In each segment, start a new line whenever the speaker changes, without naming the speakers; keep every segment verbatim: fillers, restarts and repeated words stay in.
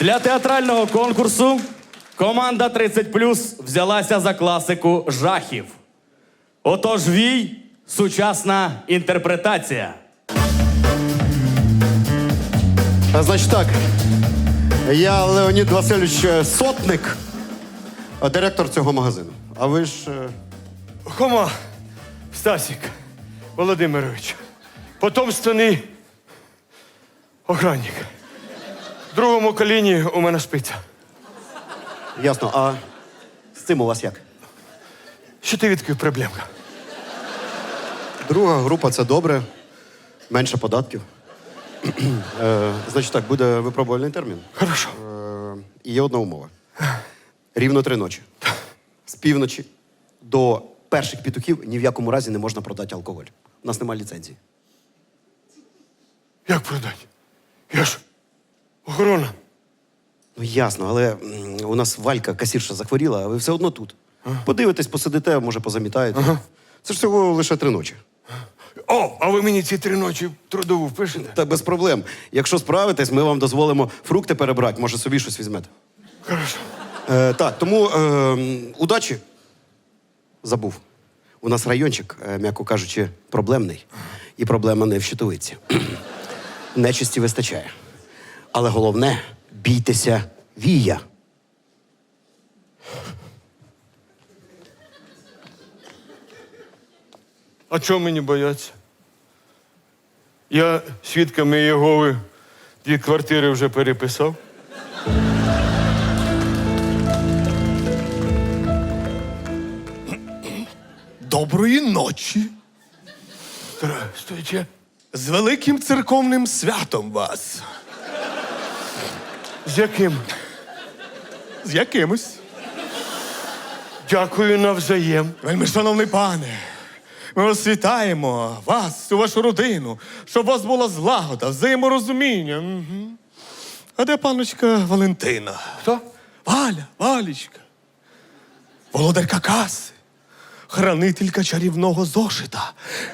Для театрального конкурсу команда тридцять плюс взялася за класику жахів. Отож, вій – сучасна інтерпретація.
А, значить так, я Леонід Васильович Сотник, директор цього магазину. А ви ж... е,
Хома Стасік Володимирович. Потомственний охранник. В другому коліні у мене шпиця.
Ясно, а з цим у вас як?
Що ти відкрив проблемка?
Друга група – це добре, менше податків. Е, значить так, буде випробувальний термін.
Хорошо.
Е, і є одна умова. Рівно три ночі. З півночі до перших петухів ні в якому разі не можна продати алкоголь. У нас немає ліцензії.
Як продати? Я ж охорона.
Ну ясно, але м, у нас Валька, касірша, захворіла, а ви все одно тут. Подивитесь, посидите, може позамітаєте. Це ж всього лише три ночі.
О, а ви мені ці три ночі трудову впишете?
Та без проблем. Якщо справитесь, ми вам дозволимо фрукти перебрати, може собі щось візьмете.
Хорошо.
Е, так, тому е, удачі. Забув. У нас райончик, е, м'яко кажучи, проблемний. І проблема не в щитовиці. Нечисті вистачає. Але головне – бійтеся вія.
А чого мені бояться? Я свідками Єгови дві квартири вже переписав.
Доброї ночі.
Здравствуйте.
З великим церковним святом вас.
З яким?
З якимось.
Дякую навзаєм.
Вельми шановний пане, ми вас вітаємо, вас, у вашу родину, щоб у вас була злагода, взаєморозуміння. Угу. А де паночка Валентина?
Хто?
Валя, Валічка. Володарка каси, хранителька чарівного зошита.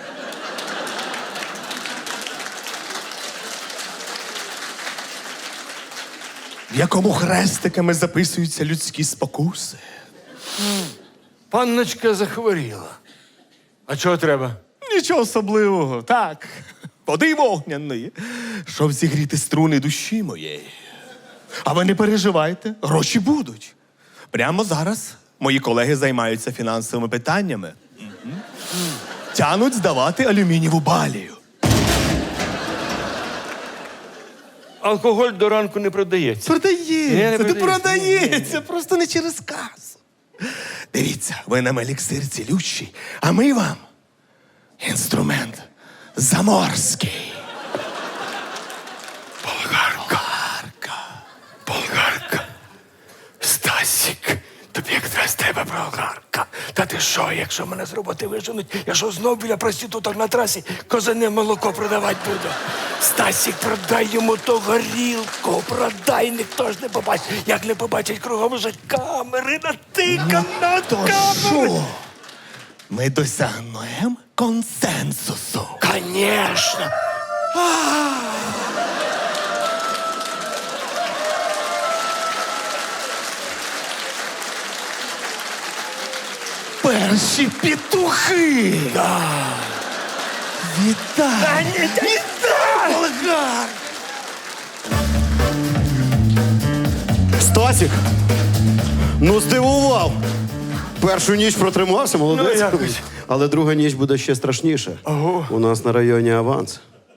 В якому хрестиками записуються людські спокуси.
Панночка захворіла. А чого треба?
Нічого особливого, так. Води вогняної, щоб зігріти струни душі моєї. А ви не переживайте, гроші будуть. Прямо зараз мої колеги займаються фінансовими питаннями. Угу. Тянуть здавати алюмінієву балію.
Алкоголь до ранку не продається.
Продається,
Ні, не
ти
продається.
продається, просто не через касу. Дивіться, ви нам еліксир цілющий, а ми вам інструмент заморський.
Болгарка. Болгарка. Стасік, тобі якраз треба болгарка. Та ти що, якщо мене з роботи виженуть, я що знов біля проституток на трасі козине молоко продавати буду? Стасік, продай йому ту горілку, продай, ніхто ж не побачить. Як не побачить, кругом вже камери натикано на
То
камери.
що? Ми досягнемо консенсусу.
Конечно.
Перші петухи!
Да.
Вітаю! Вітаю, Болгар!
Стасік! Ну, здивував! Першу ніч протримався, молодець.
Ну, якось.
Але друга ніч буде ще страшніше.
Ого.
У нас на районі аванс.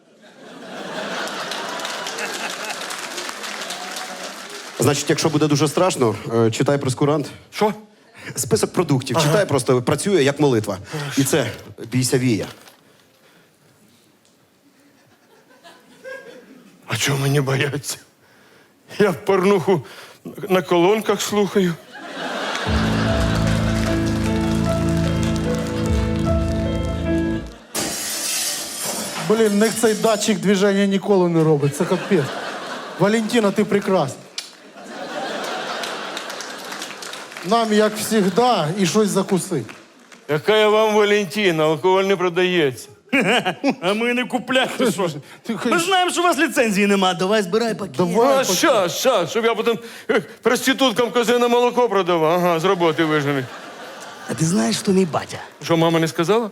Значить, якщо буде дуже страшно, е, читай прескурант.
Що?
Список продуктів. Читай просто, працює як молитва. І це бійся вія.
А чого мені бояться? Я порнуху на колонках слухаю.
Блін, в них цей датчик движення ніколи не робить. Це капець. Валентина, ти прекрасна. Нам, як завжди, і щось закуси.
Яка я вам Валентина, алкоголь не продається.
А ми не купляти, що ж?
Ти
Ми знаємо, що у вас ліцензії нема. Давай збирай пакет.
Давай.
А що, що, щоб я потім е, проституткам козине молоко продавав? Ага, з роботи вижений.
А ти знаєш, що мій батя?
Що, мама не сказала?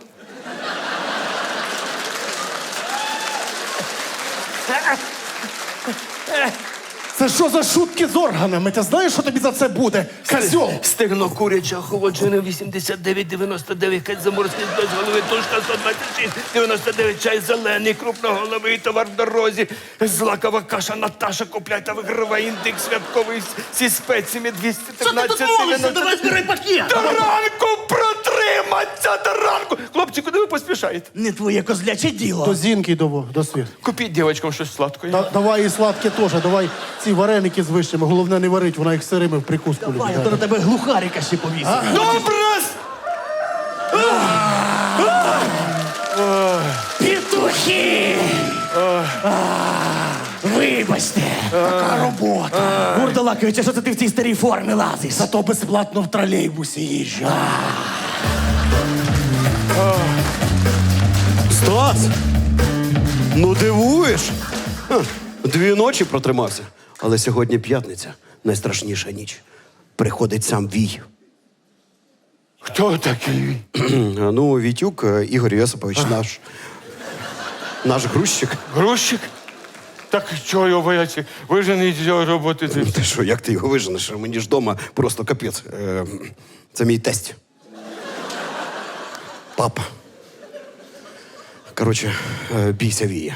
Це що за шутки з органами? Ти знаєш, що тобі за це буде? Козьол!
Стегно куряче, охолоджене вісімдесят дев'ять дев'яносто дев'ять, кать заморський без голови, тушка сто двадцять шість дев'яносто дев'ять, чай зелений, крупноголовий товар в дорозі, злакова каша Наташа, купляй та вигравай індекс святковий зі спеціями двісті тринадцять дев'яносто.
Давай збирай пакет.
До ранку протриматься, до ранку! Хлопці, куди ви поспішаєте?
Не твоє козляче діло.
До Зінки до, до світ.
Купіть дівчатам щось сладкое.
Да, давай і сладке теж, давай ці вареники з вишнями. Головне не варить, вона їх сирими в прикуску любить.
Давай, а то на тебе глухарика ще повісить.
Добре!
Петухи! Вибачте, така робота. Гурдалакович, а що це ти в цій старій формі лазиш?
Зато безплатно в тролейбусі їжджу.
Стас! Ну дивуєш? Ха, Дві ночі протримався. Але сьогодні п'ятниця, найстрашніша ніч. Приходить сам Вій.
Хто такий?
Ну, Вітюк, е, Ігор Йосипович, наш. Наш грузчик.
Грузчик? Так чого його бояться? Вижений з його роботи.
Ти що, як ти його виженеш? Мені ж вдома просто капець. Е, Це мій тесть. Папа. Коротше, е, бійся Вія.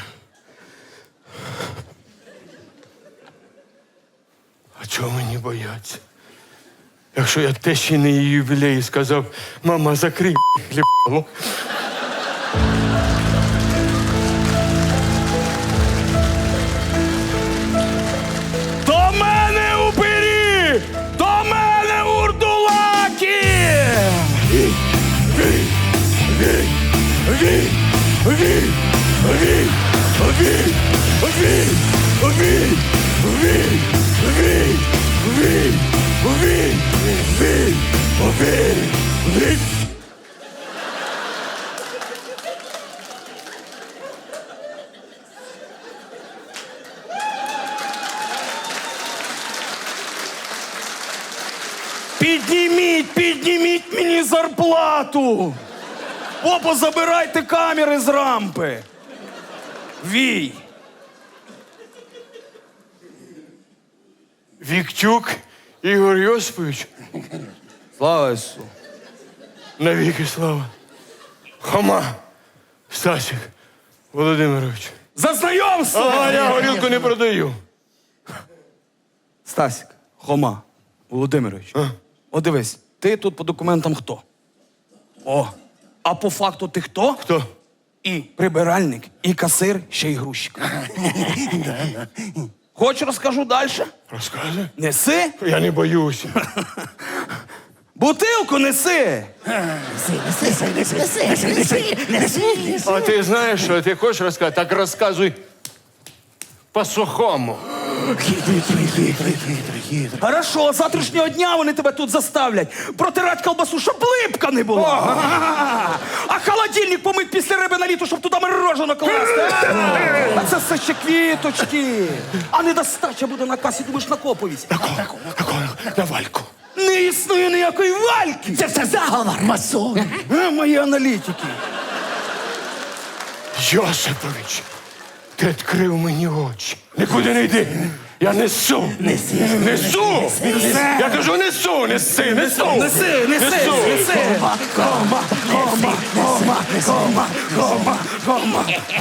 А чого мені бояться? Якщо я тещі на її ювілеї сказав, мама, закрий хлібало.
До мене упирі! До мене урдулаки! Вій! Вій! Вій! Вій! Вій! Вій! Вій! Вій! Вій! Вій! Вій! Вій! Вій! Вій! Вій! Вій! Підніміть, підніміть мені зарплату! Опа, забирайте камери з рампи! Вій!
Віктюк Ігор Йосипович,
Слава Ісусу!
навіки слава. Хома Стасик Володимирович.
За знайомство!
А я горілку не продаю.
Стасік, Хома, Володимирович, о дивись, ти тут по документам хто? О, а по факту ти хто?
Хто?
І прибиральник, і касир, ще й грузчик. Хоч розкажу далі?
Розказуй.
Неси?
Я не боюся.
Бутилку неси!
А ти знаєш, що ти хочеш розказати? Так розказуй по-сухому.
Хорошо, з завтрашнього дня вони тебе тут заставлять протирати колбасу, щоб липка не була. А холодильник помить після риби на літо, щоб туди морожено класти. А це все ще квіточки. А недостача буде на касі, думаєш, на коповість.
На Вальку.
Не існує ніякої вальки. Це все заговор, масон. А, мої аналітики.
Йосипович, ти відкрив мені очі. Нікуди не йди. Я несу.
Неси.
Несу. Я кажу, несу, неси, несу.
Неси, неси, неси. Кома, кома, кома, кома, кома, кома.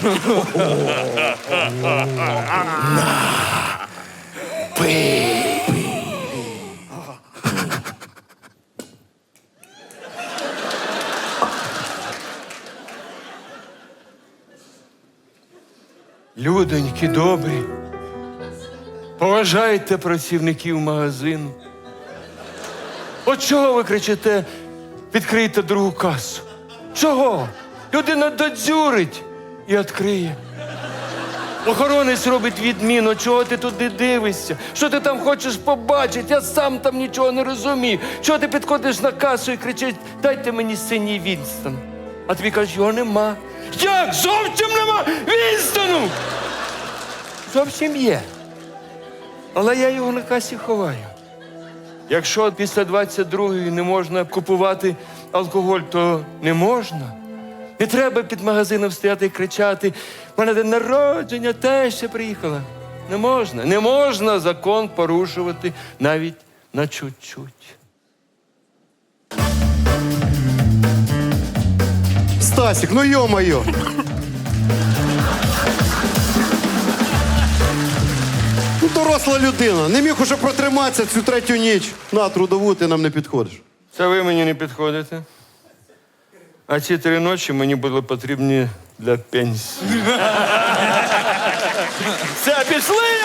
Людоньки добрі, поважайте працівників магазину. От чого ви кричите, відкрийте другу касу? Чого? Людина додзюрить і відкриє. Охоронець робить відміну, чого ти туди дивишся? Що ти там хочеш побачити? Я сам там нічого не розумію. Чого ти підходиш на касу і кричиш, дайте мені синій Вінстон? А тобі кажуть, його нема. Як? Зовсім нема! Вінстону! Зовсім є. Але я його на касі ховаю. Якщо після двадцять другої не можна купувати алкоголь, то не можна. Не треба під магазином стояти і кричати: «В мене день народження, теща приїхала». Не можна. Не можна закон порушувати навіть на чуть-чуть.
Стасік, ну йо-моє. Ну, доросла людина. Не міг уже протриматися цю третю ніч. На, трудову ти нам не підходиш.
Це ви мені не підходите. А ці три ночі мені були потрібні для пенсії. Все, пішли!